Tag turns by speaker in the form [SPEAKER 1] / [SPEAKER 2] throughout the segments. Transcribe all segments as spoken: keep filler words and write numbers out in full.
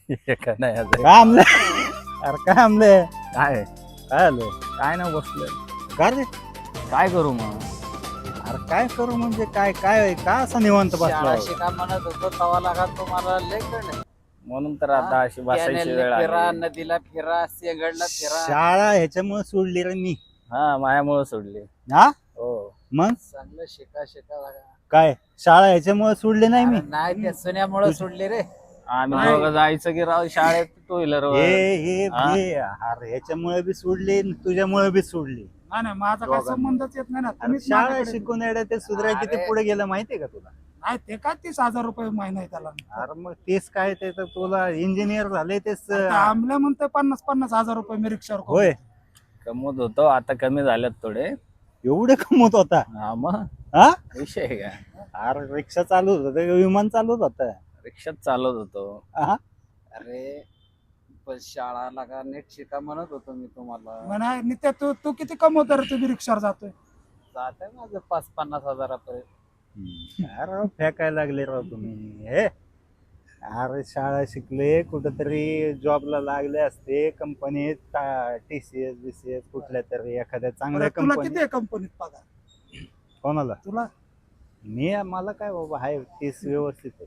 [SPEAKER 1] एका नाही आज.
[SPEAKER 2] काय आमले अरे काय आमले
[SPEAKER 1] काय
[SPEAKER 2] काय आलं
[SPEAKER 1] काय ना बसलोय.
[SPEAKER 2] का रे
[SPEAKER 1] काय करू मग?
[SPEAKER 2] अरे काय करू म्हणजे काय काय का असं निवांत
[SPEAKER 3] शाळा
[SPEAKER 2] बसला
[SPEAKER 3] शिका म्हणत होतो तवा लागा तुम्हाला लय कळलं
[SPEAKER 1] म्हणून तर आता अशी बसायची
[SPEAKER 3] कॅनेलने
[SPEAKER 1] वेळ
[SPEAKER 3] फिरा
[SPEAKER 1] आली.
[SPEAKER 3] नदीला फिरा सेगडला फिरा
[SPEAKER 2] शाळा ह्याच्यामुळे सोडली रे मी
[SPEAKER 1] हा मायामुळे सोडली.
[SPEAKER 2] हा
[SPEAKER 1] हो
[SPEAKER 2] मग
[SPEAKER 3] चांगलं शिका शिका लागा
[SPEAKER 2] काय शाळा ह्याच्यामुळे सोडली नाही मी
[SPEAKER 3] अरे नाही त्या सुन्यामुळे सोडली रे
[SPEAKER 1] आम्ही
[SPEAKER 2] नाही.
[SPEAKER 1] दोघं जायचं की राव शाळेत टू व्हीलर
[SPEAKER 2] हे हे
[SPEAKER 1] हा?
[SPEAKER 2] हे अरे ह्याच्यामुळे बी सोडली आणि तुझ्यामुळे बी सोडली
[SPEAKER 4] नाही नाही माझा काय
[SPEAKER 2] दोघांना.
[SPEAKER 4] संबंधच येत नाही ना
[SPEAKER 2] अरे
[SPEAKER 4] तुम्हीच
[SPEAKER 2] शाळा
[SPEAKER 4] माझ्याकडे-
[SPEAKER 2] शिकून येड्या ते सुधराय किती
[SPEAKER 3] अरे.
[SPEAKER 2] पुढे गेलं माहितीये का तुला
[SPEAKER 4] नाही ते काय तीस हजार रुपये महिना आहे त्याला
[SPEAKER 2] अरे मग तेच काय ते तर तुला इंजिनियर झाले तेच
[SPEAKER 4] आता आमल्या म्हणते पन्नास पन्नास हजार रुपये मी रिक्षावर कमवतो.
[SPEAKER 2] होय
[SPEAKER 1] कमवत होतो आता कमी झाल्यात थोडे.
[SPEAKER 2] एवढे कमवत होता
[SPEAKER 1] हा मग
[SPEAKER 2] हा
[SPEAKER 1] विषय आहे का?
[SPEAKER 2] अरे रिक्षा चालू होत विमान चालूच होत
[SPEAKER 1] रिक्षात चालवत होतो.
[SPEAKER 3] अरे पण शाळा लागा नीट शिका म्हणत होतो मी तुम्हाला
[SPEAKER 4] म्हणा नित्या तू तू किती कमवतो रे तू रिक्षावर जातोय
[SPEAKER 3] जाते माझं पाच पन्नास हजारापर्यंत
[SPEAKER 2] अरे राव, फेकायला लागले राव तुम्ही हे अरे शाळा शिकले कुठंतरी जॉबला लागले असते कंपनीत टीसीएस बीसीएस कुठल्या तरी एखाद्या चांगल्या
[SPEAKER 4] बरं, तुला
[SPEAKER 2] कंपनी
[SPEAKER 4] किती आहे कंपनीत पगार
[SPEAKER 2] कोणाला
[SPEAKER 4] तुला
[SPEAKER 2] मी मला काय बाबा आहे तीस व्यवस्थित आहे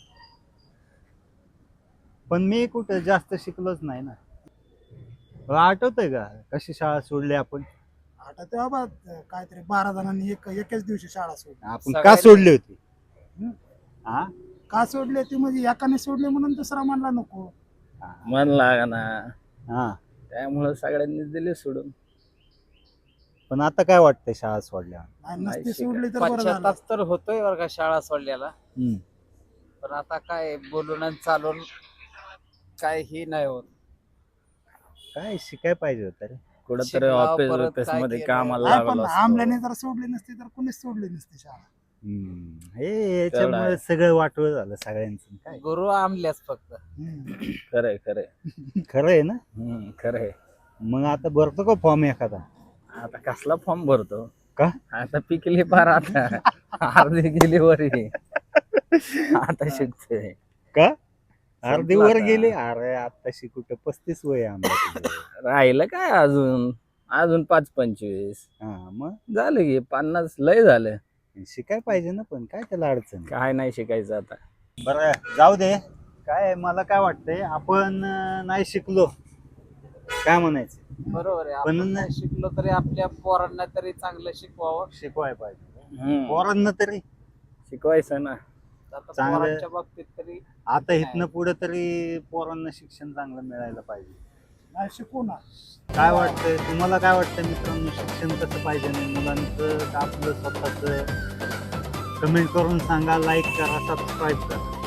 [SPEAKER 2] पण मी कुठं जास्त शिकलोच नाही ना तुला आठवतंय का कशी शाळा सोडली आपण
[SPEAKER 4] आता ते बाबा काहीतरी बारा जणांनी एक एकाच दिवशी शाळा सोडली
[SPEAKER 2] आपण का
[SPEAKER 3] सगळ्यांनी-
[SPEAKER 2] सोडली होती हा
[SPEAKER 4] का सोडली ती म्हणजे एकाने सोडली म्हणून दुसरा म्हणला नको
[SPEAKER 1] मन लागा ना
[SPEAKER 2] हा
[SPEAKER 1] त्यामुळे सगळ्यांनी दिले सोडून.
[SPEAKER 2] पण आता काय वाटतंय शाळा सोडल्या
[SPEAKER 4] आणि नसती
[SPEAKER 1] नाही शिका-
[SPEAKER 4] सोडली तर बरं झालं
[SPEAKER 3] पश्चाताप तर होतोय बरं का शाळा सोडल्याला
[SPEAKER 2] हम्म.
[SPEAKER 3] पण आता काय बोलून आणि चालून काय ही नाही होत
[SPEAKER 2] काय शिकाय पाहिजे होतं रे
[SPEAKER 1] कुठंतरी
[SPEAKER 3] शिकला,
[SPEAKER 1] ऑफिस
[SPEAKER 3] परत
[SPEAKER 1] ऑफिस
[SPEAKER 3] काय
[SPEAKER 1] मध्ये
[SPEAKER 3] केलं.
[SPEAKER 1] कामाला
[SPEAKER 4] नाही पण
[SPEAKER 1] लागलो असतो.
[SPEAKER 4] आमल्याने जर सोडली नसती तर कुणीच सोडली नसती शाळा
[SPEAKER 2] हम्म. हे याच्यामुळे
[SPEAKER 1] आहे.
[SPEAKER 2] सगळं वाटवं झालं सगळ्यांचं काय
[SPEAKER 3] गुरु आमल्यास फक्त
[SPEAKER 4] हम्म.
[SPEAKER 1] खरंय खरंय
[SPEAKER 2] खरं आहे ना
[SPEAKER 1] हम्म, खरंय.
[SPEAKER 2] मग आता भरतो का फॉर्म एखादा
[SPEAKER 1] आता कसला फॉर्म भरतो
[SPEAKER 2] का
[SPEAKER 1] आता पिकली पार आता अर्धी गेली वरी आता शिकतोय.
[SPEAKER 2] का अर्धी
[SPEAKER 1] संपलं
[SPEAKER 2] वर
[SPEAKER 1] आता.
[SPEAKER 2] गेली अरे आताशी कुठं पस्तीस वय आहे आमच्या
[SPEAKER 1] राहिलं काय अजून अजून पाच पंचवीस
[SPEAKER 2] हा मग
[SPEAKER 1] झालं की पन्नास लय झालं.
[SPEAKER 2] शिकाय पाहिजे ना पण काय त्याला अडचण
[SPEAKER 1] काय नाही शिकायचं आता.
[SPEAKER 2] बरं जाऊ दे काय मला काय वाटतंय आपण अं, नाही शिकलो काय म्हणायचं
[SPEAKER 3] बरोबर आहे
[SPEAKER 2] पण-
[SPEAKER 3] आपण नाही शिकलो तरी आपल्या पोरांना तरी चांगलं शिकवावं
[SPEAKER 2] शिकवाय पाहिजे
[SPEAKER 1] हम्म,
[SPEAKER 2] पोरांना तरी
[SPEAKER 1] शिकवायचं ना.
[SPEAKER 3] आता
[SPEAKER 2] चांगलं-
[SPEAKER 3] पोरांच्या बाबतीत तरी
[SPEAKER 2] आता इथनं पुढे तरी पोरांना शिक्षण चांगलं मिळायला पाहिजे
[SPEAKER 4] नाही शिकू ना
[SPEAKER 2] काय वाटतंय तुम्हाला काय वाटतं मित्रांनो शिक्षण कसं पाहिजे नाही मुलांचं का आपलं स्वतःच कमेंट करून सांगा लाईक करा सबस्क्राईब करा